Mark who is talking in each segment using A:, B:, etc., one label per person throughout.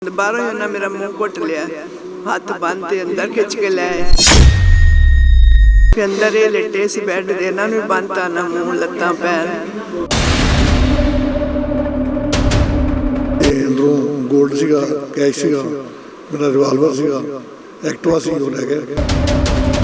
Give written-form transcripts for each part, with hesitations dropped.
A: बाहरों ही उन्हें मेरा मुंह घुट लिया, हाथ बांधते अंदर खिंच के ले आए। फिर अंदर ये लेटे सी बैड दे, इन्हां नूं भी बांधता ना मूँह लत्तां पैर।
B: अंदरों गोल्ड सीगा, कैश सीगा, मेरा रिवाल्वर सीगा, एक्टिवा सी वो ले गए।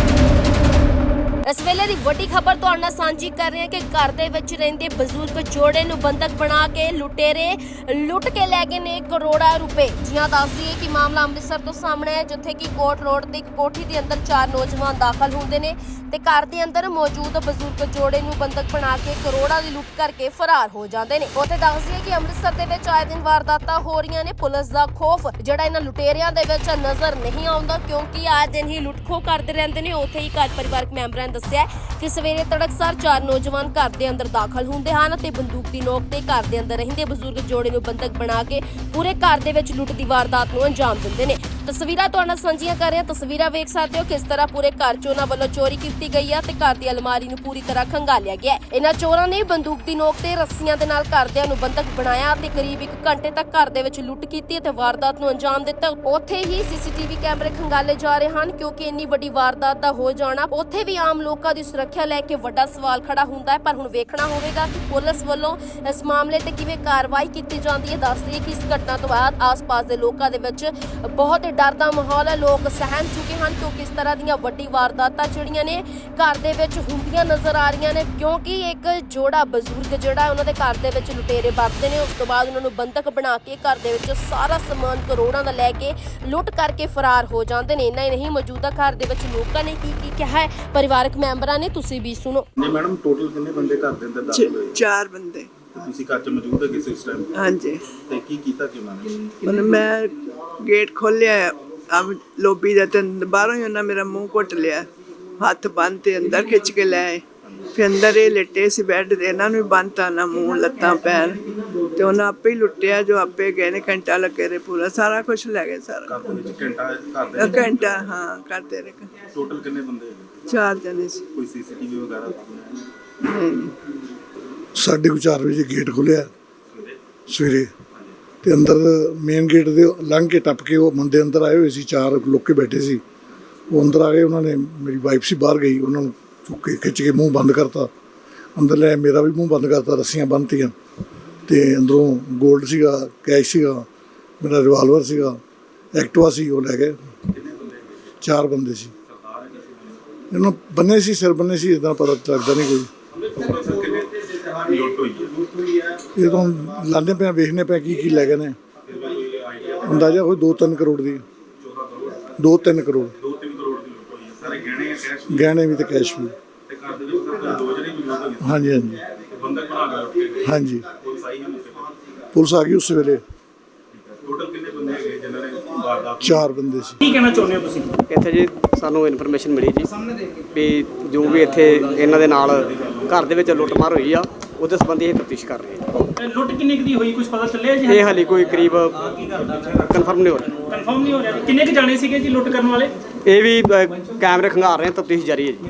C: इस वेले दी वड्डी खबर तुहाडे नाल सांझी कर रहे हैं कि घर दे विच रहिंदे बजुर्ग जोड़े नूं बंधक बना के लुटेरे लुट के लै गए ने करोड़ां रुपए। जियां दस दईए कि मामला अमृतसर तो सामने है, जिथे कि कोट रोड ते एक कोठी दे अंदर 4 नौजवान दाखल हुंदे ने ते घर दे अंदर मौजूद बजुर्ग जोड़े नूं बंधक बना के करोड़ां दी लुट करके फरार हो जांदे ने। उत्थे दस दईए कि अमृतसर दे विच आए दिन वारदातां हो रहीआं ने। पुलिस दा खौफ जिहड़ा इन्हां लुटेरियां दे विच नज़र नहीं आउंदा, क्योंकि आए दिन ही लुट खोह करदे रहिंदे ने। उत्थे ही घर परिवारक मैंबरां दस्सिआ कि सवेरे तड़कसार 4 नौजवान घर दे अंदर दाखल हुंदे हन ते बंदूक दी नोक ते घर दे अंदर रहिंदे बजुर्ग जोड़े नूं बंधक बना के पूरे घर दे विच लुट दी वारदात नूं अंजाम दिंदे ने। तस्वीरां तुहाडे नाल सांझीआं कर रहे हां। तस्वीरां वेख सकदे हो किस तरह पूरे घर चों उन्हां वल्लों चोरी कीती गई है ते घर दी अलमारी नूं पूरी तरह खंगालिया गया है। इन्हां चोरां ने बंदूक दी नोक ते रस्सियां दे नाल घरदिआं नूं बंधक बनाया ते करीब 1 घंटे तक घर दे विच लुट कीती ते वारदात नूं अंजाम दित्ता। उत्थे ही सीसीटीवी कैमरे खंगाले जा रहे हन, क्योंकि इन्नी वड्डी वारदात दा हो जाना उत्थे भी आम लोकां दी सुरक्षा लैके वड्डा सवाल खड़ा हुंदा है। पर हुण वेखना होवेगा कि पुलिस वल्लों इस मामले ते किवें कार्रवाई कीती जांदी है। दस दईए कि इस घटना तो बाद आस-पास दे लोकां दे विच बहुत डर दा माहौल है। लोग सहम चुके हैं, क्योंकि इस तरह दीयां वड्डी वारदातां जिहड़ियां ने घर दे विच हुंदियां नज़र आ रहीआं ने। क्योंकि एक जोड़ा बजुर्ग जिहड़ा उन्हां दे घर दे विच लुटेरे वरतदे ने, उस तो बाद उन्हां नूं बंधक बना के घर दे विच सारा समान करोड़ां दा लै के लुट करके फरार हो जांदे ने। इन्ना ही नहीं, मौजूदा घर दे विच लोकां ने की कहा है परिवारक मैंबरां ने, तुसीं भी सुनो।
D: जी मैडम, टोटल कितने बंदे घर ਦੇ ਅੰਦਰ ਦਾਖਲ ਹੋਏ?
A: 4 ਬੰਦੇ।
D: ਤੁਸੀਂ ਘਰ 'ਚ ਮੌਜੂਦ ਹੈਗੇ ਸੀ ਉਸ ਟਾਈਮ?
A: ਹਾਂਜੀ।
D: ਤੇ ਕੀ ਕੀਤਾ ਕਿ ਉਹਨਾਂ ਨੇ?
A: ਹੁਣ ਮੈਂ ਗੇਟ ਖੋਲਿਆ अब ਲੋਬੀ ਦਾ ਤੇ ਬਾਹਰੋਂ ਹੀ ਉਹਨਾਂ ਮੇਰਾ ਮੂੰਹ ਘੁੱਟ ਲਿਆ, ਹੱਥ ਬੰਨ੍ਹਤੇ ਅੰਦਰ ਖਿੱਚ ਕੇ ਲੈ ਆਏ। ਫਿਰ ਅੰਦਰ ਇਹ ਲੇਟੇ ਸੀ ਬੈੱਡ ਦੇ, ਇਹਨਾਂ ਨੂੰ ਵੀ ਬੰਨ੍ਹਤਾ ਨਾ ਮੂੰਹ ਲੱਤਾਂ ਪੈਰ ਤੇ ਉਹਨਾਂ ਆਪੇ ਹੀ ਲੁੱਟਿਆ ਜੋ ਆਪੇ ਗਏ ਨੇ। ਘੰਟਾ ਲੱਗੇ ਰਹੇ, ਪੂਰਾ ਸਾਰਾ ਕੁਝ ਲੈ ਗਏ ਸਾਰਾ।
D: ਘਰ ਦੇ ਵਿੱਚ ਘਰ ਦੇ
A: ਘੰਟਾ ਹਾਂ ਕਰਦੇ ਰਹੇ।
D: ਟੋਟਲ ਕਿੰਨੇ ਬੰਦੇ ਹੈਗੇ?
A: 4 ਜਣੇ ਸੀ।
D: ਕੋਈ ਸੀਸੀਟੀਵੀ ਵਗੈਰਾ
A: ਨਹੀਂ।
B: 4:30 ਵਜੇ ਗੇਟ ਖੁੱਲਿਆ ਸਵੇਰੇ ਤੇ ਅੰਦਰ ਮੇਨ ਗੇਟ ਦੇ ਲੰਘ ਕੇ ਟੱਪ ਕੇ ਉਹ ਬੰਦੇ ਅੰਦਰ ਆਏ ਹੋਏ ਸੀ। 4 ਲੋਕ ਬੈਠੇ ਸੀ, ਉਹ ਅੰਦਰ ਆ ਗਏ। ਉਹਨਾਂ ਨੇ ਮੇਰੀ ਵਾਈਫ ਸੀ ਬਾਹਰ ਗਈ, ਉਹਨਾਂ ਨੂੰ ਚੁੱਕ ਕੇ ਖਿੱਚ ਕੇ ਮੂੰਹ ਬੰਦ ਕਰਤਾ। ਅੰਦਰ ਲੈ ਮੇਰਾ ਵੀ ਮੂੰਹ ਬੰਦ ਕਰਤਾ, ਰੱਸੀਆਂ ਬੰਨ੍ਹਤੀਆਂ ਤੇ ਅੰਦਰੋਂ ਗੋਲਡ ਸੀਗਾ, ਕੈਸ਼ ਸੀਗਾ, ਮੇਰਾ ਰਿਵਾਲਵਰ ਸੀਗਾ, ਐਕਟਿਵਾ ਸੀ, ਉਹ ਲੈ ਗਏ। 4 ਬੰਦੇ ਸੀ। ਇਹਨਾਂ ਬੰਨੇ ਸੀ, ਸਿਰ ਬੰਨੇ ਸੀ, ਇੱਦਾਂ ਪਤਾ ਲੱਗਦਾ ਨਹੀਂ ਕੋਈ। ਇਹ ਤਾਂ ਲਾਉਂਦੇ ਪਏ, ਵੇਖਦੇ ਪਏ ਕੀ ਲੈ ਗਏ ਨੇ। ਅੰਦਾਜ਼ਾ ਕੋਈ 2-3 ਕਰੋੜ ਦੀ, 2-3 ਕਰੋੜ। ਗਹਿਣੇ ਵੀ ਤੇ ਕੈਸ਼ ਵੀ। ਹਾਂਜੀ ਹਾਂਜੀ ਹਾਂਜੀ, ਪੁਲਿਸ ਆ ਗਈ ਉਸ ਵੇਲੇ। 4 ਬੰਦੇ ਸੀ।
E: ਕੀ ਕਹਿਣਾ ਚਾਹੁੰਦੇ ਹੋ ਤੁਸੀਂ?
F: ਇੱਥੇ ਜੀ ਸਾਨੂੰ ਇਨਫੋਰਮੇਸ਼ਨ ਮਿਲੀ ਜੀ ਵੀ ਜੋ ਵੀ ਇੱਥੇ ਇਹਨਾਂ ਦੇ ਨਾਲ ਘਰ ਦੇ ਵਿੱਚ ਲੁੱਟਮਾਰ ਹੋਈ ਆ, ਉਹਦੇ ਸੰਬੰਧੀ ਇਹ ਤਫਤੀਸ਼ ਕਰ ਰਹੇ ਹਾਂ।
E: ਲੁੱਟ ਕਿੰਨੀ ਕੁ ਦੀ ਹੋਈ, ਕੁਝ ਪਤਾ ਚੱਲਿਆ ਜੀ?
F: ਇਹ ਹਾਲੇ ਕੋਈ ਕਰੀਬ ਕਨਫਰਮ ਨਹੀਂ ਹੋ ਰਿਹਾ।
E: ਕਨਫਰਮ ਨਹੀਂ ਹੋ ਰਿਹਾ। ਕਿੰਨੇ ਕੁ ਜਾਣੇ ਸੀਗੇ ਜੀ ਲੁੱਟ ਕਰਨ ਵਾਲੇ?
F: ਇਹ ਵੀ ਕੈਮਰੇ ਖੰਗਾਰ ਰਹੇ, ਤਫਤੀਸ਼ ਜਾਰੀ ਹੈ ਜੀ।